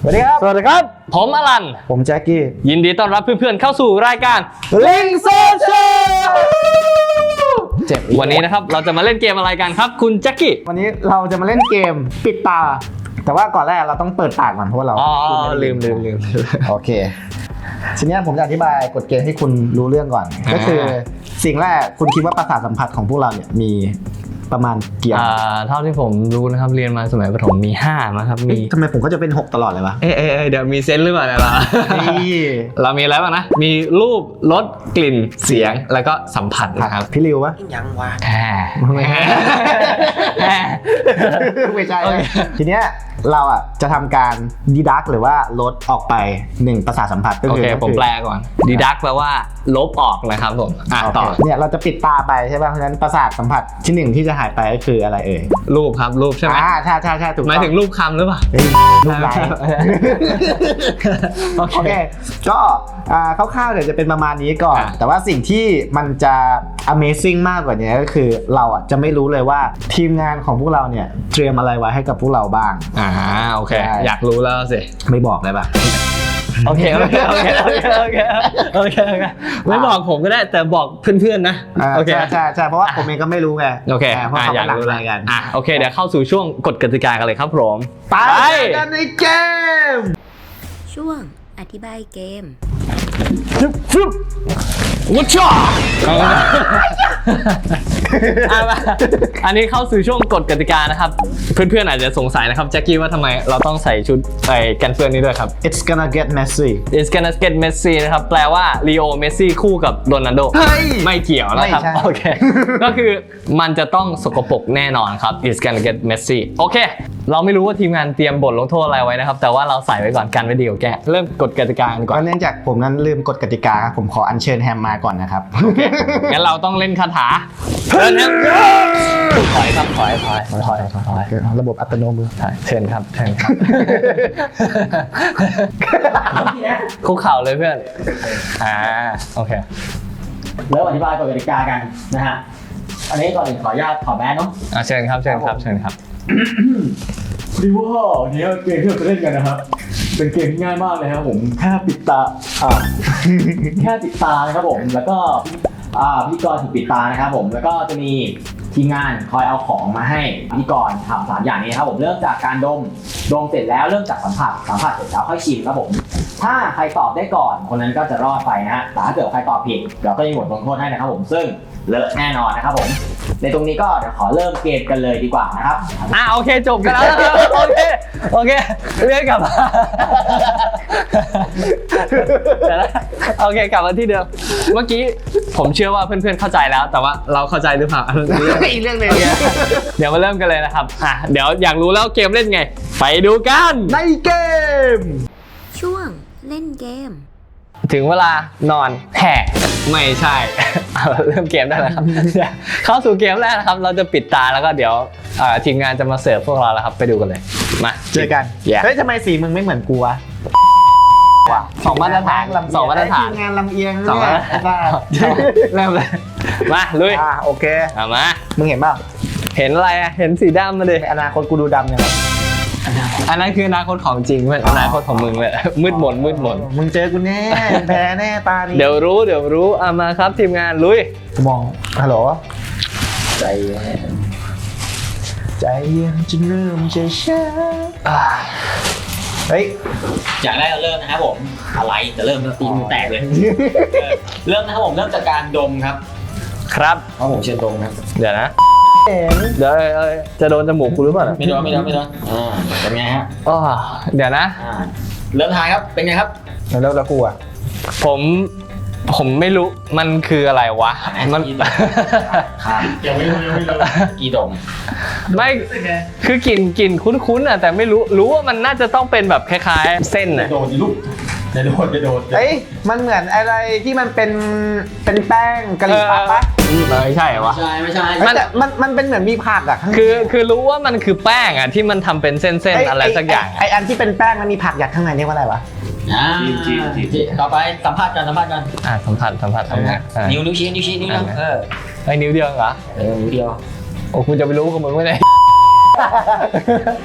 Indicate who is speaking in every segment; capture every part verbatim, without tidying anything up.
Speaker 1: สวัสดีครับ
Speaker 2: สวัสดีครับผมอลัน
Speaker 1: ผมแจ็คกี้
Speaker 2: ยินดีต้อนรับเพื่อนๆเข้าสู่รายการ
Speaker 1: ลิงโซเชียล
Speaker 2: วันนี้นะครับเราจะมาเล่นเกมอะไรกันครับคุณแจ็คกี้
Speaker 1: วันนี้เราจะมาเล่นเกมปิดตาแต่ว่าก่อนแรกเราต้องเปิดปากก่อนเพราะว่าเรา
Speaker 2: อ๋อลืมลืมลืม
Speaker 1: โอเคทีนี้ผมจะอธิบายกฎเกณฑ์ให้คุณรู้เรื่องก่อนก็คือสิ่งแรกคุณคิดว่าประสาทสัมผัสของพวกเราเนี่ยมีประมาณกี่อัน
Speaker 2: อ่าเท่าที่ผมรู้นะครับเรียนมาสมัยประถมมีห้านะครับมี
Speaker 1: ทำไมผมก็จะเป็นหกตลอดเลยวะ
Speaker 2: เอ๊ะเอ๊ะเดี๋ยวมีเซนส์หรือเปล่าเนี่ยเรา เรามีอะไรบ้างนะมีรูปรสกลิ่นเสียงแล้วก็สัมผัสนะครับ
Speaker 1: พี่ริววะ
Speaker 3: ยังวะ
Speaker 2: แค่
Speaker 1: ไม่ใช่ไม่ใช่ทีเนี้ยเราอ่ะจะทำการดีดักหรือว่าลดออกไปหนึ่งประสาทสัมผัสก็
Speaker 2: โอ
Speaker 1: คือ
Speaker 2: เคผมแปลก่อนดีดักแปลว่าลบออกนะครับผมอ่ะต่อ
Speaker 1: เนี่ยเราจะปิดตาไปใช่ป่ะเพราะฉะนั้นประสาทสัมผัสที่หนึ่งที่จะหายไปก็คืออะไรเอ่ย
Speaker 2: รูปครับรูปใช่ไหม
Speaker 1: อ่าใช่ใช่ใช่ถูกต้อง
Speaker 2: หมายถึงรูปคำหรือเปล่า
Speaker 1: เฮ้ยรูปลาย
Speaker 2: โอ
Speaker 1: โอ
Speaker 2: เค
Speaker 1: เคก็อ่าคร่าวๆเดี๋ยวจะเป็นประมาณนี้ก่อน
Speaker 2: อ่ะ
Speaker 1: แต่ว่าสิ่งที่มันจะ Amazing มากกว่านี้ก็คือเราอ่ะจะไม่รู้เลยว่าทีมงานของพวกเราเนี่ยเตรียมอะไรไว้ให้กับพวกเราบ้าง
Speaker 2: อ่าโอเค
Speaker 1: ใช่
Speaker 2: อยากรู้แล้วสิ
Speaker 1: ไม่บอกเลยป่ะ
Speaker 2: โอเคโอเคโอเคโอเคโอเคโอเคโอเคไม่บอกผมก็ได้แต่บอกเพื่อนๆนะ
Speaker 1: อ่า
Speaker 2: โอเค
Speaker 1: ใช่ใช่ใช่เพราะว่าผมเองก็ไม่รู้ไง
Speaker 2: โอเค
Speaker 1: เพราะ
Speaker 2: อ่ะ
Speaker 1: เขา
Speaker 2: อยาก
Speaker 1: กำลัง
Speaker 2: รู้
Speaker 1: รายกัน
Speaker 2: อ่ะโอเคเดี๋ยวเข้าสู่ช่วงกฎกติกากันเลยครับผม
Speaker 1: ไปกันในเกม
Speaker 3: ช่วงอธิบายเกม
Speaker 2: ฟึบวุ้ชอ่ะมาอันนี้เข้าสู่ช่วงกฎกติกานะครับเพื่อนๆอาจจะสงสัยนะครับแจ็คกี้ว่าทำไมเราต้องใส่ชุดไอ้กันเปื้อนนี้ด้วยครับ
Speaker 1: It's gonna get messy
Speaker 2: It's gonna get messy นะครับแปลว่าลีโอเมสซี่คู่กับโรนัลโด
Speaker 1: เฮ้ย
Speaker 2: ไม่เกี่ยวนะครับ
Speaker 1: ไม่ใช่
Speaker 2: โอเค ก็คือมันจะต้องสกปรกแน่นอนครับ It's gonna get messy โอเค เราไม่รู้ว่าทีมงานเตรียมบทลงโทษอะไรไว้นะครับ แต่ว่าเราใส่ไว้ก่อนกันไว้ดีกว่าแกเริ่มกฎกติกากันก่อน
Speaker 1: ก็เนื่องจากผมนั้นลืมกฎกติกาครับผมขออัญเชิญแฮมมาก่อนนะครับ
Speaker 2: งั้นเราต้องเล่นคาถาเชิญครับถอยครับถอยถอยถอยถอย
Speaker 1: ระบบอัตโนมือ
Speaker 2: ถอยเชิญครับเชิญครับคุกเข่าเลยเพื่อนอ่าโอเค
Speaker 4: เริ่มอธิบายกฎกติกากันนะฮะ อันนี้ก่อนอื่นขออนุญาตถอดแมสเนาะ
Speaker 2: อ่าเชิญครับเชิญครับเชิญครับ
Speaker 4: ดีว่าวันนี้เกมที่เราจะเล่นกันนะครับ เป็นเกมที่ง่ายมากเลยครับผมแค่ปิดตาอ่า แค่ปิดตานะครับผมแล้วก็อ่าพิธีกรถูกปิดตานะครับผมแล้วก็จะมีทีมงานคอยเอาของมาให้พิธีกรทำสามอย่างนี้นะครับผมเริ่มจากการดมดมเสร็จแล้วเริ่มจากสัมผัสสัมผัสเสร็จแล้วค่อยชิมครับผมถ้าใครตอบได้ก่อนคนนั้นก็จะรอดไปนะฮะแต่ถ้าเกิดใครตอบผิดเราก็จะมีบทลงโทษให้นะครับผมซึ่งเลอะแน่นอนนะครับผมในตรงนี้ก็เดี๋ยวขอเริ่มเกมกันเลยดีกว่านะครับ
Speaker 2: อ่ะโอเคจบกันแล้วโอเคโอเคเรียกกลับมาเดี๋ยวนะโอเคกลับมาที่เดิมเมื่อกี้ผมเชื่อว่าเพื่อนๆเข้าใจแล้ว แต่ว่าเราเข้าใจหรือเปล่า
Speaker 1: อีกเรื่องหนึงเนี่ย
Speaker 2: เดี๋ยวมาเริ่มกันเลยนะครับอ่ะเดี๋ยวอยากรู้แล้วเกมเล่นไงไปดูกัน
Speaker 1: ในเกม
Speaker 3: ช่วงเล่นเกม
Speaker 2: ถึงเวลานอนแห่ไม่ใช่ เอาเริ่มเกมได้แล้วครับ เข้าสู่เกมแรกนะครับเราจะปิดตาแล้วก็เดี๋ยวเอ่อทีมงานจะมาเสิร์ฟพวกเราแล้วครับไปดูกันเลยมา
Speaker 1: เจอกัน
Speaker 2: Yeah
Speaker 1: เฮ้ยทำไมสีมึงไม่เหมือนกูวะ
Speaker 2: สองมาตรฐาน
Speaker 1: ลำเอีย
Speaker 2: สองมาตรฐาน
Speaker 1: ทีมงานลำเอียง
Speaker 2: สอง
Speaker 1: เนี่
Speaker 2: มาย ตรฐานเริ่มเลยมาลุย
Speaker 1: อ่าโอเค
Speaker 2: เอามา
Speaker 1: มึงเห็นเปล่า
Speaker 2: เห็นอะไรอะเห็นสีดำมาดิ
Speaker 1: ในอนาคตกูดูดำยังไง
Speaker 2: อันนั้นคืออนาคตของจริงเพื่อนอนาคตของมึงเลยมืดมนมืดมน
Speaker 1: มึงเจอกูแน่มึงแพ้แน่ตานี้
Speaker 2: เดี๋ยวรู้เดี๋ยวรู้เอามาครับทีมงานลุย
Speaker 1: กูมองฮัลโหล
Speaker 4: ใจเย็น
Speaker 1: ใจเย็นจนเริ่มจะช้าอ่าเฮ้ย
Speaker 4: อย่างแรกเราเริ่มนะครับผมอะไรจะเริ่มแล้วตีมือแตกเลยเออเริ่มนะครับผมเริ่มจากการดมครับ
Speaker 2: ครับ
Speaker 4: เพราะผมเชิญดมครับ
Speaker 2: เดี๋ยวนะ
Speaker 1: เห็น
Speaker 2: เดี๋ยวเอ้ยเอ้ยจะโดนจมูกกูหรือเปล่าเนี่ย
Speaker 4: ไม่โดนไม่โดนไม่โดนอ่าเป็นไงฮะ
Speaker 2: อ้อเดี๋ยวนะ
Speaker 4: อ่าเริ่มทายครับเป็นไงครับ
Speaker 1: แล้วแล้วกูอ่ะ
Speaker 2: ผมผมไม่รู้มันคืออะไรวะมัน
Speaker 4: ครับยังไม่รู้ยังไม่รู้กี่ดม
Speaker 2: ไม่คือกลิ่นกลิ่นคุ้นๆอ่ะแต่ไม่รู้รู้ว่ามันน่าจะต้องเป็นแบบคล้ายๆเส้น
Speaker 4: จะ
Speaker 2: อ่ะ
Speaker 4: โดนลูกจะโดนจะโดน
Speaker 1: เฮ้ยมันเหมือนอะไรที่มันเป็นเป็นแป้งกะหรี่ปั๊บปะ
Speaker 2: ไม่ใช่วะ
Speaker 4: ไม่ใช่ไม่ใช่
Speaker 2: มัน
Speaker 1: แต่มันมันเป็นเหมือนมีผักอ่ะข้างใน
Speaker 2: คือคือรู้ว่ามันคือแป้งอ่ะที่มันทำเป็นเส้น
Speaker 1: เย
Speaker 2: ๆอะไรสักอย่าง
Speaker 1: ไออันที่เป็นแป้งมันมีผักยัดข้างในเรียกว่าอะไรวะ
Speaker 4: อ่าต่อไปสัมภาษณ์กันสัมภาษณ์กัน
Speaker 2: อ่ะสัมผัสสัมผัสสัมผัสอ่ะ
Speaker 4: นิ้วนิ้วชี้นิ้วชี้นิ้วนะเออ
Speaker 2: ไอ้นิ้วเดียวเหรอ
Speaker 4: เออนิ้วเดียว
Speaker 2: โอ้คุณจะไปรู้กับมึงไม่ได้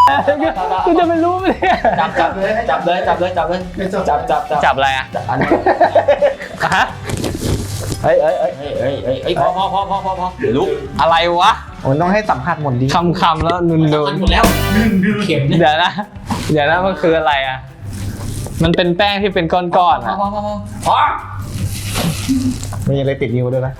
Speaker 2: กูจะไม่รู้ไหมเนี่ย
Speaker 4: จับจับเลยจับเลยจับเลยจับเลยจับจับจับ
Speaker 2: จับอะไรอ่ะ
Speaker 4: อันนี้
Speaker 2: ฮะเฮ้ยเฮ้ยเฮ้ย
Speaker 4: เฮ้ยเฮ้ยเฮ้ยเฮ้ยพอพอพอพอพอพอเดี๋ยวลุก
Speaker 2: อะไรวะ
Speaker 1: มันต้องให้สัมผัสหมดดี
Speaker 2: คำคำๆแล้วนุนนู
Speaker 4: อันหมดแล้วหนึ่งดื้อเข็มเนี่ย
Speaker 2: เดี๋ยวนะ เดี๋ยวนะมันคืออะไรอ่ะ มันเป็นแป้งที่เป็นก้อนๆ
Speaker 4: พอ
Speaker 2: อ่ะ
Speaker 4: พอพอพอพอ
Speaker 1: มีอะไรติดนิ้วด้วยนะ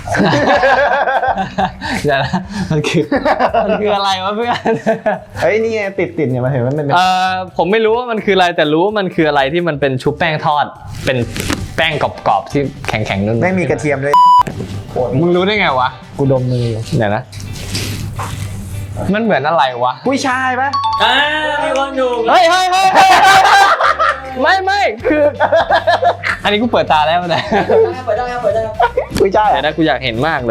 Speaker 2: เดี๋ยวนะมันคือมันคืออะไรวะเพื่อน
Speaker 1: เฮ้ยนี่ไงติดติดเนี่ยมาเห็นมันเป็น
Speaker 2: เอ่อผมไม่รู้ว่ามันคืออะไรแต่รู้ว่ามันคืออะไรที่มันเป็นชุบแป้งทอด เป็นแป้งกรอบๆที่แข็งๆนุ่นๆ
Speaker 1: ไม่มีกระเทียมด้วย
Speaker 2: มึงรู้ได้ไงวะ
Speaker 1: กูดมมืออยู่
Speaker 2: เดี๋ยวนะ มันเหมือนอะไรวะ
Speaker 1: กุ้ยช่ายปะ
Speaker 4: อ่ามีคนอยู่
Speaker 2: เฮ้ยเฮ้ยเฮ้ยเฮ้ยไม่ไม่คือ อันนี้กูเปิดตาแล้วนะ
Speaker 4: เปิดได้ครับเปิดได้ครับ
Speaker 1: กุ้ยช่าย
Speaker 2: เดี๋ยวนะกูอยากเห็นมากเลย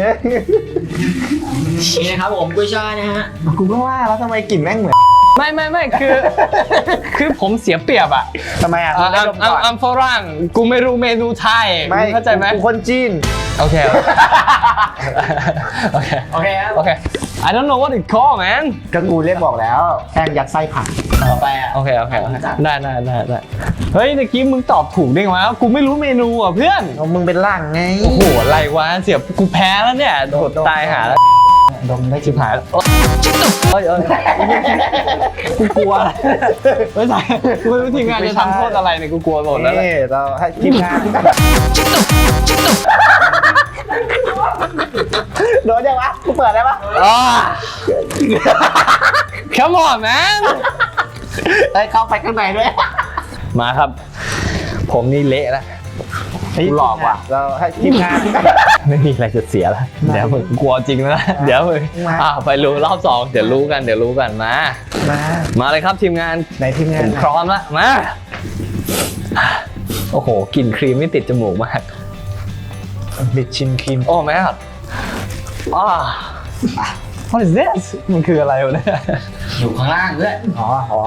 Speaker 4: นี่นะครับผมกุ้ยช่ายนะฮะ
Speaker 1: กูก็ว่าแล้วทำไมกลิ่นแม่งเหมือน
Speaker 2: ไม่ไม่ไม่คือ คือผมเสียเปรียบอ่ะ
Speaker 1: ทำไมอ่ะ
Speaker 2: อ่ะ
Speaker 1: ได้
Speaker 2: อัม
Speaker 1: ดม
Speaker 2: อัม
Speaker 1: ก่อน
Speaker 2: อัมฝรั่งกูไม่รู้เมนูไทย
Speaker 1: ไม่
Speaker 2: มึงเข้าใจไหม
Speaker 1: กูคนจีน
Speaker 2: โอเคโอเค
Speaker 4: โอเคครับ
Speaker 2: โอเค I don't know what it called man
Speaker 1: ก็กูเรียกบอกแล้วแป้งยัดไส้ผัก
Speaker 4: ต่อไปอ่ะ
Speaker 2: โอเคโอเคโอเคได้ได้ได้ได้เฮ้ยตะกี้มึงตอบถูกได้ไงวะกูไม่รู้เมนูอ่ะเพื่อน
Speaker 1: เอามึงเป็นล่างไง
Speaker 2: โอ้โหอะไรวะเสียกูแพ้แล้วเนี่ยโดดตายหาแล้ว
Speaker 1: ดมได้
Speaker 2: ชิบหายแล้วเอ้ยเอ้ยกูกลัวไม่ใช่กูไม่รู้ทีมงานจะทำโทษอะไรเนี่ยกูกลัวหมดแล้วแหละ
Speaker 1: นี่เราให้ทีมงานโดนยังวะกูเปิดได้ปะ
Speaker 2: อ่า Come on man
Speaker 1: เอ้ยเข้าไปข้างในด้วย
Speaker 2: มาครับ ผมนี่เละแล้ว กูหลอกว่ะ
Speaker 1: เราให้ทีมงาน
Speaker 2: ไม่มีอะไรจะเสียแล้วเดี๋ยวมึงกลัวจริงแล้วนะเดี๋ยวมึง
Speaker 1: มา
Speaker 2: อ้าวไปรู้รอบสองเดี๋ยวรู้กันเดี๋ยวรู้กันมา
Speaker 1: มา
Speaker 2: มาเลยครับทีมงาน
Speaker 1: ในทีมงา
Speaker 2: ผ
Speaker 1: น
Speaker 2: มพร้อมแล้วมาโอ้โหกลิ่นครีมไม่ติดจมูกมาก
Speaker 1: บิดชิมครีม
Speaker 2: โอ้แม่ครับอ่า What is this มันคืออะไรวะเนี่ย
Speaker 4: อยู่ข้างล่างด้วย
Speaker 1: อ๋ออ๋อ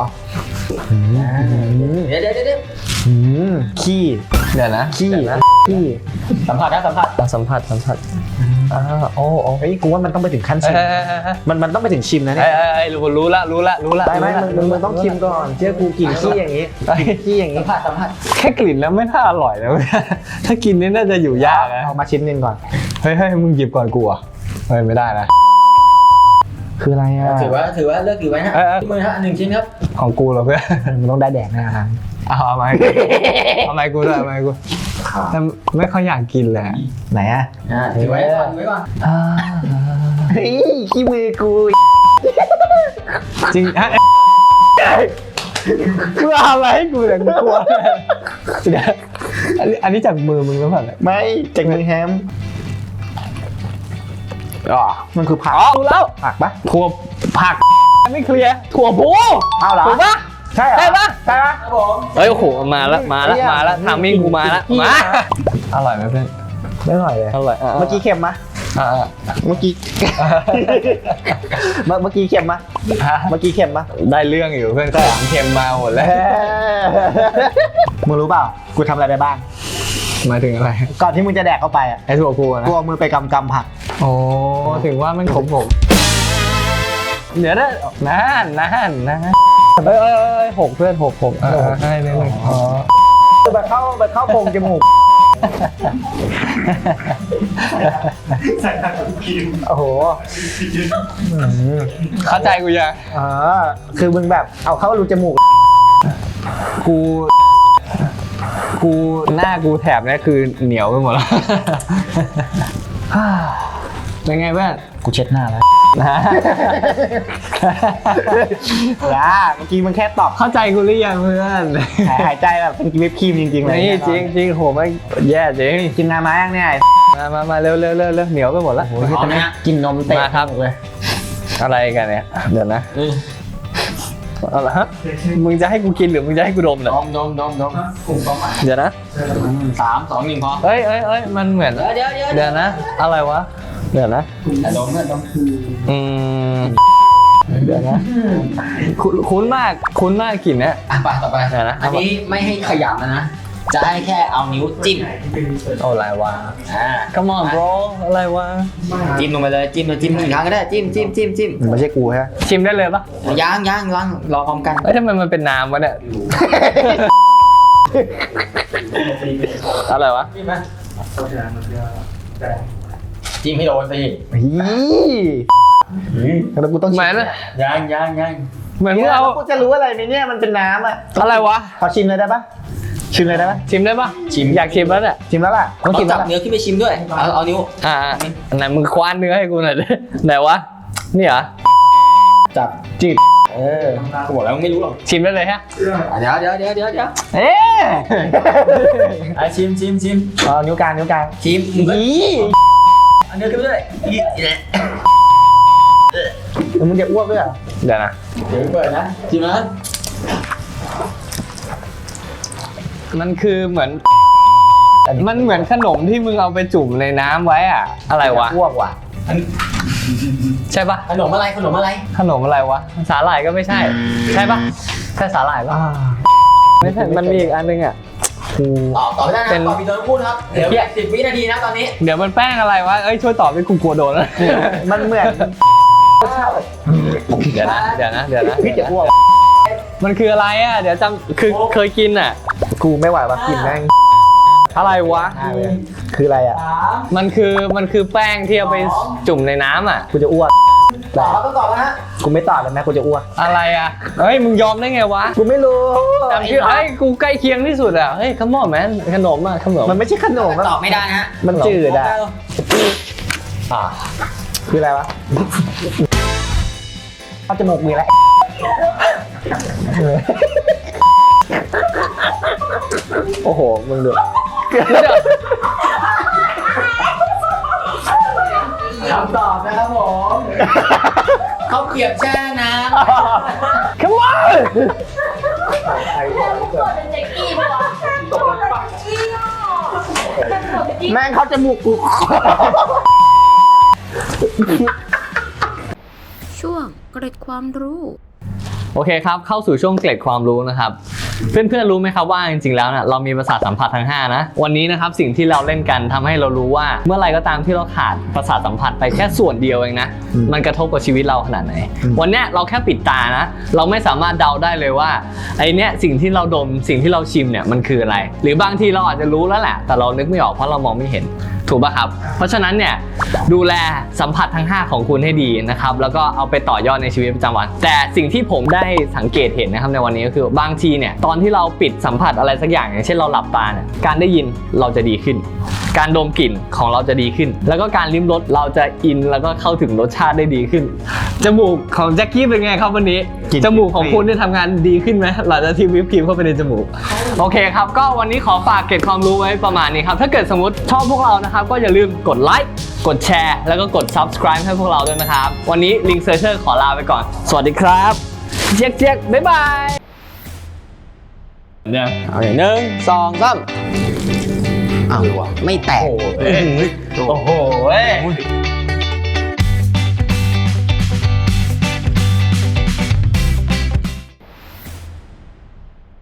Speaker 4: เดี๋ยวเดี๋ยวเดี๋ยว
Speaker 1: อืมขี้
Speaker 2: เดี๋ยวนะ
Speaker 1: ขี้
Speaker 2: เดี๋ยวนะ
Speaker 1: ขี้
Speaker 4: สัมผัสนะสัมผัส
Speaker 2: อ่ะสัมผัสสัมผัสอ่าโอ้โอ้
Speaker 1: เฮ้ยกูว่ามันต้องไปถึงขั้น
Speaker 2: เอ้
Speaker 1: ชิ
Speaker 2: ย
Speaker 1: ม
Speaker 2: เอ้ยเอ้ยเอ้ย
Speaker 1: มันมันต้องไปถึงชิมนะ
Speaker 2: เอ้
Speaker 1: เนี่ย ย
Speaker 2: เอ้ยเอ้ยรู้รู้ละรู้ละรู้ละ
Speaker 1: ได้ไหมมึงมึงมึงต้องชิมก่อนเชื่อกูกลิ่นขี้อย่างนี้กลิ่นขี้อย่าง
Speaker 4: สั
Speaker 1: นี้
Speaker 4: มผัสสัมผัส
Speaker 2: แค่กลิ่นแล้วไม่น่าอร่อยนะเว้ยถ้ากินนี่น่าจะอยู่ยากนะ
Speaker 1: เอามาชิ้นหนึงก่อน
Speaker 2: เฮ้ยเฮ้ยมึงหยิบก่อนกูอ่ะเฮ้ยไม่ได้นะ
Speaker 1: คืออะไรอ่ะ
Speaker 4: ถือว่าถือว่าเลิกถือไว้ฮะ
Speaker 2: เออเออ
Speaker 4: มือฮะหนึ่งชิ้นครับ
Speaker 2: ของกูเหรอเพื่อน
Speaker 1: มันต้องได้แดกแน่นะ
Speaker 2: เอาเอามาให้กูเอามาให้กูด้วยเอามาให้กูแต่ไม่ค่อยอยากกินเลยอะ
Speaker 1: ไหนอ่ะ
Speaker 4: อ่าถือไว้ก่อนถือไว้ก่อน
Speaker 2: อ่า
Speaker 1: เฮ้ยขี้มือกู
Speaker 2: จริงฮะมึงเอาอะไรให้กูเนี่ยกูกลัวเดี๋ยวอันนี้อันนี้จากมือมึงหรือเปล่าเนี่ย
Speaker 1: ไม่จากมือแฮม
Speaker 2: อ๋อ
Speaker 1: มันคือผัก
Speaker 2: อ๋อรู้แล้ว
Speaker 1: ผักปะ
Speaker 2: ถั่วผักไม่เคลียร์ถั่วพู
Speaker 1: เอาเหรอ
Speaker 2: ถูกปะ
Speaker 1: ใช่เหรอ
Speaker 2: ใช่ปะ
Speaker 1: ใช่ปะ
Speaker 4: ครับผม
Speaker 2: เอ้ยโอ้โหมาละมาละ
Speaker 1: เหี้ย
Speaker 2: มาละทามมิ่งกูมาละ
Speaker 1: กิน
Speaker 2: มา
Speaker 1: กิน
Speaker 2: อร่อยไหมเพื่อน
Speaker 1: ไม่อร่อยเลย
Speaker 2: อร่อยะ
Speaker 1: เมื่อกี้เค็มมะ
Speaker 2: อ่ะอ่ะ
Speaker 1: เมื่อกี้ เมื่อเมื่อกี้เค็มมะ
Speaker 2: อ่ะ
Speaker 1: เมื่อกี้เค็มมะ
Speaker 2: ได้เรื่องอยู่เพื่อนของเค็มมาหมดแล้ว
Speaker 1: มึงรู้เปล่ากูทำอะไรไปบ้าง
Speaker 2: หมายถึงอะไร
Speaker 1: ก่อนที่มึงจะแดกเข้าไปอ่ะ
Speaker 2: ไอ้ถั่วพูนะ
Speaker 1: กูเอามือไปกำกำผัก
Speaker 2: โอ้ถึงว่ามันขมผมเดี๋ยวนะนานนานนานเอ้ยเอ้ยเอ้ยหกเพื่อนหกหกเออให้นิดนึงอ๋อ
Speaker 1: แบบเข้าแบบเข้าโพรงจมูก
Speaker 4: ใส่ทางกิน
Speaker 1: โอ้โห
Speaker 2: เข้าใจกูยัง
Speaker 1: อ๋อคือมึงแบบเอาเข้ารูจมูก
Speaker 2: กูกูหน้ากูแถบเนี้ยคือเหนียวไปหมดแล้วเป็นไงเพื่อน
Speaker 1: กูเช็ดหน้าแล้ว
Speaker 2: นะ
Speaker 1: อย่าเมื่อกี้มึงแค่ตอบ
Speaker 2: เข้าใจกูหรือยังเพื่อน
Speaker 1: หายหายใจแบบเป็นวิปครีมจริงๆเลย
Speaker 2: นี่จริงจริงโหไม่แย่จริง
Speaker 1: กินน้ำมายังเนี่ย
Speaker 2: มามามาเร็วเร็วเร็วเร็วเหนียวไปหมดแล้ว
Speaker 1: โอ้ยตอนนี้กินนมเตะ
Speaker 2: มาครับ
Speaker 1: เลย
Speaker 2: อะไรกันเนี่ยเดี๋ยวนะเอาละฮะมึงจะให้กูกินหรือมึงจะให้กูดมเนี่ย
Speaker 4: ดมดมดมดมกลุ่มความหมาย
Speaker 2: เดี๋ยวนะ
Speaker 4: สามสองหนึ่งพอ
Speaker 2: เอ้ยเอ้ยเอ้ยมันเหมือน
Speaker 4: เดี๋ยวเดี๋ยวเดี๋ยว
Speaker 2: เดี๋ยวนะ อะไรวะเดี๋ยวนะ
Speaker 4: ดมดม
Speaker 2: อืมเดี๋ยวนะคุ้นคุ้นมากคุ้นมากกลิ่นเนี้ย
Speaker 4: อ่ะไปต่อไป
Speaker 2: เดี๋ยวนะ
Speaker 4: อันนี้ไม่ให้ขยับนะนะ
Speaker 5: จะให้แค่เอานิ้วจิ้ม
Speaker 2: โอ้อะไรวะ
Speaker 5: อ่า
Speaker 2: Come on bro อะไรวะ
Speaker 5: จิ้มลงไปเลยจิ้มเลยจิ้มหนึ่งครั้งก็ได้จิ้มจิ้มจิ้มจิ้ม
Speaker 1: ไม่ใช่กูฮะ
Speaker 2: ชิมได้เลยปะ
Speaker 5: ย่างย่างย่างรอพร้อมกัน
Speaker 2: เอ้ยทำไมมันเป็นน้ำวะเนี่ย อะไรวะ
Speaker 5: จิ้มให้โดนสิ
Speaker 1: ฮีแล้วกูต้อง
Speaker 2: เหมือน
Speaker 5: ย่างย่างย่าง
Speaker 2: เหมือน
Speaker 1: เนี่
Speaker 2: มึ
Speaker 1: ย
Speaker 2: งเอา
Speaker 1: แล้วกูจะรู้อะไรไหมเนี่ยมันเป็นน้ำอ่ะ
Speaker 2: อะไรวะ
Speaker 1: ขอชิมเลยได้ปะชิมเลยได้ปะ
Speaker 2: ชิมได้ปะชิมอยากชิมแล้วเนี่ย
Speaker 1: ชิมแล้วล่ะต้อง
Speaker 5: ต้อ
Speaker 1: ชิม
Speaker 5: ง
Speaker 1: แล้
Speaker 5: จั
Speaker 1: ว
Speaker 5: บ
Speaker 1: ล่ะ
Speaker 5: เนื้อขึ้นไปชิมด้วยเอาเอานิ้ว
Speaker 2: อ่าไหนมึงคว้านเนื้อให้กูหน่อยดิไหนวะนี่เหรอ
Speaker 1: จับ
Speaker 2: จีบ
Speaker 1: เออ
Speaker 5: กูบอกแล้วมึงไม่รู้หรอก
Speaker 2: ชิมได้เลยฮะ
Speaker 5: เดี๋ยวเดี๋ยวเดี๋ยวเดี๋ยวเดี๋ยว
Speaker 1: เอ๊ะ
Speaker 5: ไอ้ชิมชิมชิม
Speaker 1: เอานิ้วกลางนิ้วกลาง
Speaker 5: ชิมมึงก็
Speaker 1: อี
Speaker 5: เอาเนื้อขึ้นไปด้วยอีอีแหละ
Speaker 1: แล้วมึงจะอ้วกด้วยเหรอ
Speaker 2: เดี๋ยวนะ
Speaker 5: เดี๋ยวเปิดนะชิมนะ
Speaker 2: มันคือเหมือน มันเหมือนขนมที่มึงเอาไปจุ่มในน้ำไว้อะอะไรวะ
Speaker 1: อ้วกว่ะ
Speaker 2: ใช่ปะ
Speaker 5: ขนมอะไรขนมอะไร
Speaker 2: ขนมอะไรวะสาหร่ายก็ไม่ใช่ ใช่ปะใช่สาหร่ายปะ
Speaker 1: อ่า
Speaker 2: ไม่ใช่มันมีอีกอันนึงอ่ะกู
Speaker 5: ตอบตอบไม่ได้นะ
Speaker 2: เป็น
Speaker 5: ตอบมีตัวพูดครับเดี๋ยวสิบวินาทีนะตอนนี้
Speaker 2: เดี๋ยวมันแป้งอะไรวะเอ้ยช่วยตอบด้วยกูกลัวโดนแล้ว
Speaker 1: มันเหมือนรสชาติแบบ
Speaker 2: เดี๋ยวนะเดี๋ยวนะเดี๋ยวนะ
Speaker 1: พี่จะอ้วก
Speaker 2: มันคืออะไรอ่ะเดี๋ยวจำคือเคยกินอ่ะ
Speaker 1: กูไม่ไหวว่ะกินแม่ง
Speaker 2: อะไรวะ
Speaker 1: หน้าเลยคืออะไรอ่ะ
Speaker 2: มันคือมันคือแป้งที่เอาไปจุ่มในน้ำอ่ะ
Speaker 1: กูจะอ้วก
Speaker 5: ตอบต้องตอบนะฮะ
Speaker 1: กูไม่ตอบเลยแม่กูจะอ้วก
Speaker 2: อะไรอ่ะเฮ้ยมึงยอมได้ไงวะ
Speaker 1: กูไม่รู้
Speaker 2: จำชื่อเฮ้ยกูใกล้เคียงที่สุดอ่ะเฮ้ยขมอแมนขนมอ่ะขนม
Speaker 1: มันไม่ใช่ขนม
Speaker 5: ตอบไม่ได้นะฮะ
Speaker 1: มันจืดอ่ะ
Speaker 2: อ่ะ
Speaker 1: คืออะไรวะเข้าจมูกมีแล้ว โอ้โหมึงดู
Speaker 5: คำตอบนะครับผมเขาเกลียบแช่น้
Speaker 2: Come on
Speaker 1: แม่งเข้าจมูกกู
Speaker 3: ช่วงเกร็ดความรู้
Speaker 2: โอเคครับเข้าสู่ช่วงเกร็ดความรู้นะครับเพื่อนๆรู้ไหมครับว่าจริงๆแล้วเนี่ยเรามีประสาทสัมผัสทั้งห้านะวันนี้นะครับสิ่งที่เราเล่นกันทำให้เรารู้ว่าเมื่อไรก็ตามที่เราขาดประสาทสัมผัสไปแค่ส่วนเดียวเองนะมันกระทบกับชีวิตเราขนาดไหนวันเนี้ยเราแค่ปิดตานะเราไม่สามารถเดาได้เลยว่าไอเนี้ยสิ่งที่เราดมสิ่งที่เราชิมเนี่ยมันคืออะไร หรือบางทีเราอาจจะรู้แล้วแหละแต่เรานึกไม่ออกเพราะเรามองไม่เห็นถูกป่ะครับเพราะฉะนั้นเนี่ยดูแลสัมผัสทั้งห้าของคุณให้ดีนะครับแล้วก็เอาไปต่อยอดในชีวิตประจำวันแต่สิ่งที่ผมได้สังเกตเห็นนะครับในวันนี้ก็คือบางทีเนี่ยตอนที่เราปิดสัมผัสอะไรสักอย่างอย่างเช่นเราหลับตาเนี่ยการได้ยินเราจะดีขึ้น การดมกลิ่นของเราจะดีขึ้น แล้วก็การลิ้มรสเราจะอินแล้วก็เข้าถึงรสชาติได้ดีขึ้นจมูกของแจ็คกี้เป็นไงครับวันนี้จมูกของคุณได้ทำงานดีขึ้นไหมหลังจากที่วิปครีมเข้าไปในจมูกโอเคครับก็วันนี้ขอฝากเก็บความรู้ไว้ประมาณนี้ครับถ้าเกิดสมมติชอบพวกเรานะครับก็อย่าลืมกดไลค์กดแชร์แล้วก็กด subscribe ให้พวกเราด้วยนะครับวันนี้ลิงเซอร์เชอร์ขอลาไปก่อนสวัสดีครับเจ๊กเจ๊กบ๊ายบายเนี่ยเอาอย่างหนึ่งสองสาม
Speaker 5: ำอ้าวไม่แตก
Speaker 2: โอ้โห